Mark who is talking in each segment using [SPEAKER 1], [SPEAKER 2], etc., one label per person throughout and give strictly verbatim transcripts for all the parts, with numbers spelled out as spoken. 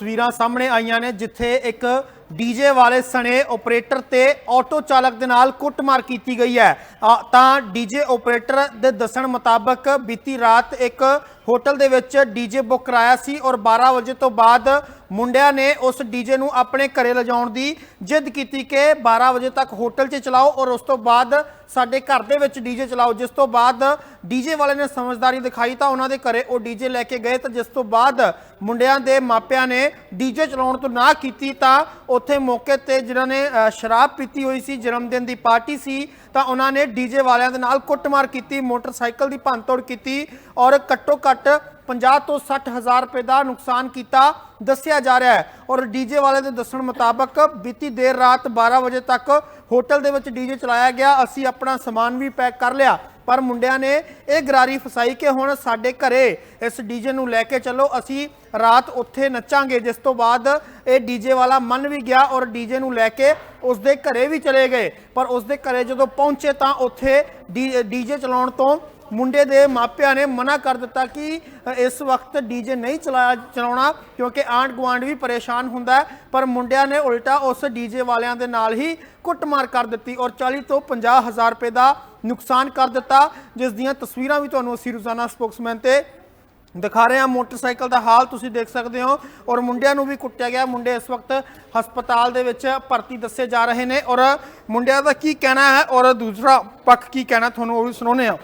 [SPEAKER 1] तस्वीरां सामने आईयां ने जिथे एक डीजे वाले सने ऑपरेटर ते ऑटो चालक दे नाल कुटमार की गई है। तां डीजे ऑपरेटर दे दस्सण मुताबक बीती रात एक होटल दे विच डीजे बुक कराया सी और बारह बजे तो बाद मुंडिया ने उस डीजे नूं अपने घरे लिजाउण दी जिद की कि बारह बजे तक होटल च चलाओ और उस तो बाद साडे घर दे विच डीजे चलाओ। जिस तो बाद डीजे वाले ने समझदारी दिखाई तो उन्होंने घरे वो डीजे लैके गए। तो जिस तो बाद मुंडिया दे मापिया ने डीजे चलाउण तो ना कीती तां उत्थे मौके ते जिन्हां ने शराब पीती हुई सी, जन्मदिन की पार्टी सी, तो उन्होंने डीजे वालियां दे नाल कुटमार की, मोटरसाइकिल की भंन तोड़ की और घट्टो घट्ट पचास तो सठ हज़ार रुपए का नुकसान किया दसिया जा रहा है। और डीजे वाले के दस्सण मुताबक बीती देर रात बारह बजे तक होटल दे विच डीजे चलाया गया। असी अपना समान भी पैक कर लिया पर मुंडिया ने यह गरारी फसाई कि हुण साडे घरे इस डीजे नूं लैके चलो, असी रात उत्थे नचांगे। जिस तो बाद ये डीजे वाला मन भी गया और डीजे नूं लैके उसदे घरे भी चले गए। पर उसदे घरे जदों पहुंचे तो उत्थे डी डीजे चलाउण तो मुंडे दे मापिया ने मना कर दिता कि इस वक्त डीजे नहीं चलाया चलाउणा क्योंकि आंढ गुआंढ भी परेशान हुंदा है। पर मुंडिया ने उल्टा उस डीजे वालियां दे नाल ही कुटमार कर दी और चालीस तो पचास हज़ार रुपए का नुकसान कर दिता, जिस दियां तस्वीरां भी तुहानूं असीं रोज़ाना स्पोक्समैन ते दिखा रहे हैं। मोटरसाइकिल का हाल तुसीं देख सकते हो और मुंडिया नूं भी कुट्टिया गया। मुंडे इस वक्त हस्पताल दे विच भर्ती दसे जा रहे हैं और मुंडिया दा की कहना है और दूसरा पक्ष की कहना तुहानूं ओह भी सुणाउने आ।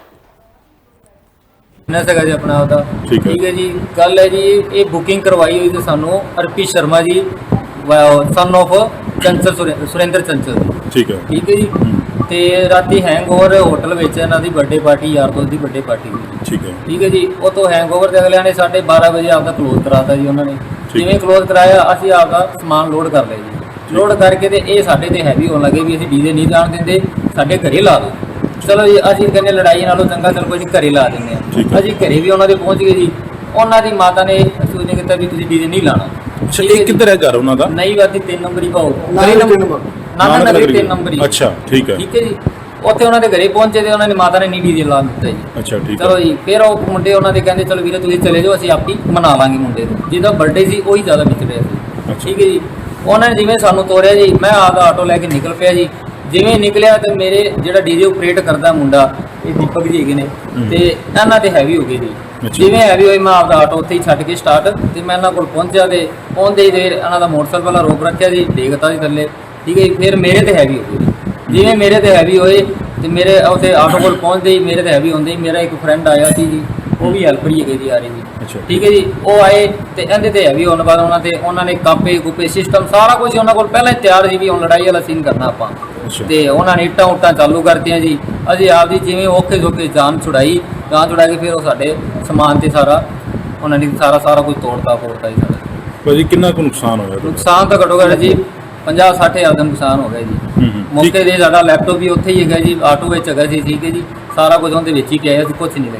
[SPEAKER 2] जी अपना होता ठीक है जी। गल है जी ये बुकिंग करवाई हुई थी सानू अर्पित शर्मा जी सन ऑफ चंचल सुरेंद्र चंचल ठीक है ठीक है जी। तो राती हैंगओवर होटल में इन्हों की बर्थडे पार्टी यार दोस्त की बर्थडे पार्टी ठीक है ठीक है जी। वो तो हैंगओवर के अगलिया ने साढ़े बारह बजे आपका क्लोज कराता जी। उन्होंने जिवें क्लोज कराया असी आपका समान लोड कर लिया जी। लोड करके तो ये साढ़े ते हैवी होने लगे भी असीं डीजे नहीं जान देंगे, साढ़े घरे ला दो। चलो जी असीं कहने लड़ाई नालों चंगा चल कोई घरे ला देंगे। असीं घरे भी उन्होंने पहुँच गए जी। उन्होंने माता ने सूचना किया भी तुसीं डीजे नहीं लाना।
[SPEAKER 3] किधर है घर उन्हां दा?
[SPEAKER 2] नई वादी तीन नंबर ही भाव नाना नगर तीन नंबर ही। अच्छा ठीक है ठीक है जी। उत्थे उन्होंने घरे पहुंचे तो उन्होंने माता ने नहीं डीजे ला दिता जी। अच्छा ठीक चलो जी। फिर वो मुंडे उन्होंने कहते चलो वीरे तुसीं चले जाओ असीं आप ही मना लांगे मुंडे को जिहदा बर्थडे सी वही ज़्यादा विच रहा सी ठीक है जी। उन्होंने जिवें सानूं तोरिया जी मैं आपका आटो लैके निकल पिया जी। जिवें निकलिया तो मेरे जिहड़ा डीजे ऑपरेट करता मुंडा ये दीपक जी है ने तो इन्हां ते हैवी हो गई जी। जिवें हैवी होई मैं आपका आटो उत्थे ही छड्ड के स्टार्ट तो मैं इन्हां कोल पहुंचा तो पहुंचते ही देर इन्हां दा मोटरसाइकिल वाला रोक रखिया जी, देखता जी थल्ले ठीक है। फिर मेरे ते हैवी हो गई। जिवें मेरे ते हैवी होए तो मेरे उत्थे आटो कोल पहुंचते ही मेरे ते हैवी होंदे ही मेरा एक फ्रेंड आया सी जी, वो भी हेल्पर ही है जी आ रही जी ठीक है जी। वो आए तो इहदे ते हैवी होने बाद उन्होंने उन्होंने कापे कूपे सिस्टम सारा कुछ उन्होंने कोल पहले ही तैयार सी भी हुण लड़ाई वाला सीन करना आपां ते उन्होंने इट्टां उट्टां चालू करतियां जी। असीं आपदी जिवें औखे सौखे जान छुड़ाई जान छुड़ा के फिर वो साडे समान ते सारा उन्होंने सारा सारा कुछ तोड़ता फोड़ता जी। साडा
[SPEAKER 3] भाजी कितना को नुकसान होया?
[SPEAKER 2] नुकसान तो घट्टो घट्ट जी पचास सठ हज़ार का नुकसान हो गया जी। मौके ते साडा लैपटॉप भी उत्थे ही है जी, आटो विच है जी ठीक है जी। सारा कुछ उनके विच ही पिया सी, कुछ नहीं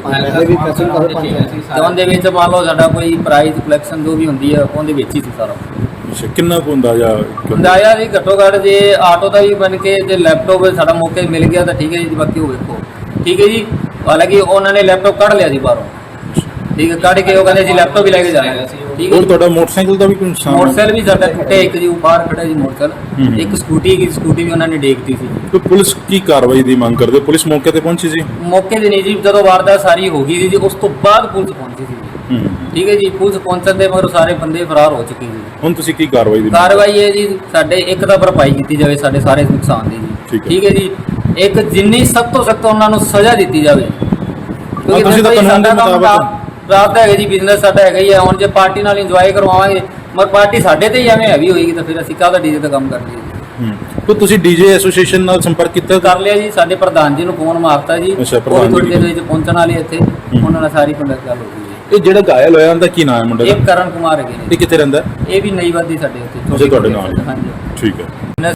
[SPEAKER 2] लगे उनके विच मान लो साडा कोई प्राइज कलैक्शन जो भी हुंदी है उनके विच ही सी सारा।
[SPEAKER 3] अच्छा कितना को अंदाजा
[SPEAKER 2] अंदाजा जी घट्टो घट्ट जे आटो का भी बन के जे लैपटॉप साडा मौके मिल गया तो ठीक है जी। बाकी वो देखो ठीक है जी। हालांकि उन्होंने लैपटॉप कढ़ लिया जी बाहरों ठीक है, कढ़ के वो कहते जी लैपटॉप भी लैके जाना ठीक है।
[SPEAKER 3] और ਤੁਹਾਡਾ मोटरसाइकिल ਦਾ भी कोई नुकसान?
[SPEAKER 2] मोटरसाइकिल भी साडा टुटे एक जी बाहर खड़ा जी मोटरसाइकिल, एक स्कूटी की स्कूटी भी उन्होंने देखती सी।
[SPEAKER 3] तो पुलिस की कार्रवाई ਦੀ ਮੰਗ ਕਰਦੇ? ਪੁਲਿਸ ਮੌਕੇ ਤੇ ਪਹੁੰਚੀ ਸੀ?
[SPEAKER 2] मौके ਤੇ नहीं जी, ਜਦੋਂ ਵਾਰਦਾਤ ਸਾਰੀ ਹੋ ਗਈ ਜੀ ਉਸ ਤੋਂ ਬਾਅਦ ਪੁਲਿਸ ਪਹੁੰਚੀ ਸੀ ਜੀ ਠੀਕ ਹੈ ਜੀ। ਪੁਲਿਸ ਪਹੁੰਚਣ ਦੇ ਮਗਰ ਸਾਰੇ ਬੰਦੇ ਫਰਾਰ ਹੋ ਚੁੱਕੇ ਜੀ।
[SPEAKER 3] ਹੁਣ ਤੁਸੀਂ ਕੀ ਕਾਰਵਾਈ ਦੀ?
[SPEAKER 2] ਕਾਰਵਾਈ ਹੈ ਜੀ ਸਾਡੇ ਇੱਕ ਤਾਂ ਭਰਪਾਈ ਕੀਤੀ ਜਾਵੇ ਸਾਡੇ ਸਾਰੇ ਨੁਕਸਾਨ ਦੀ ਜੀ ਠੀਕ ਹੈ ਜੀ। ਇੱਕ ਜਿੰਨੀ ਸਖਤ ਤੋਂ ਸਖਤ ਉਹਨਾਂ ਨੂੰ ਸਜ਼ਾ ਦਿੱਤੀ ਜਾਵੇ ਕਿਉਂਕਿ ਤੁਸੀਂ ਤਾਂ ਕਾਨੂੰਨ ਦੇ ਮੁਤਾਬਕ ਰਾਤ ਹੈਗਾ ਜੀ ਬਿਜ਼ਨਸ ਸਾਡਾ ਹੈਗਾ ਹੀ ਹੈ। ਹੁਣ ਜੇ ਪਾਰਟੀ ਨਾਲ ਇੰਜੋਏ ਕਰਵਾਵਾਂਗੇ ਮगर ਪਾਰਟੀ ਸਾਡੇ ਤੇ ਹੀ ਐਵੇਂ ਹੈਵੀ ਹੋਏਗੀ ਤਾਂ ਫਿਰ ਅਸੀਂ ਕਾਹਦਾ ਡੀਜੇ ਤੇ ਕੰਮ ਕਰਦੇ ਜੀ।
[SPEAKER 3] तो ਤੁਸੀਂ ਡੀਜੇ ਐਸੋਸੀਏਸ਼ਨ ਨਾਲ ਸੰਪਰਕ ਕੀਤਾ?
[SPEAKER 2] ਕਰ ਲਿਆ ਜੀ, ਸਾਡੇ ਪ੍ਰਧਾਨ ਜੀ ਨੂੰ ਫੋਨ ਮਾਰਤਾ ਜੀ। ਥੋੜੀ ਦੇਰ ਵਿੱਚ ਪਹੁੰਚਣ ਵਾਲੇ ਇੱਥੇ ਉਹਨਾਂ ਨਾਲ ਸਾਰੀ ਗੱਲ ਹੋ ਗਈ।
[SPEAKER 3] ਇਹ ਜਿਹੜਾ ਘਾਇਲ ਹੋਇਆ ਉਹਦਾ ਕੀ ਨਾਮ ਹੈ ਮੁੰਡੇ ਦਾ?
[SPEAKER 2] ਇਹ ਕਰਨ ਕੁਮਾਰ ਹੈਗੇ ਨੇ।
[SPEAKER 3] ਇਹ ਕਿੱਥੇ ਰਹਿੰਦਾ?
[SPEAKER 2] ਇਹ ਵੀ ਨਈ ਵਾਦੀ ਸਾਡੇ ਉੱਤੇ
[SPEAKER 3] ਤੁਹਾਡੇ ਨਾਲ?
[SPEAKER 2] ਹਾਂਜੀ
[SPEAKER 3] ਠੀਕ ਹੈ।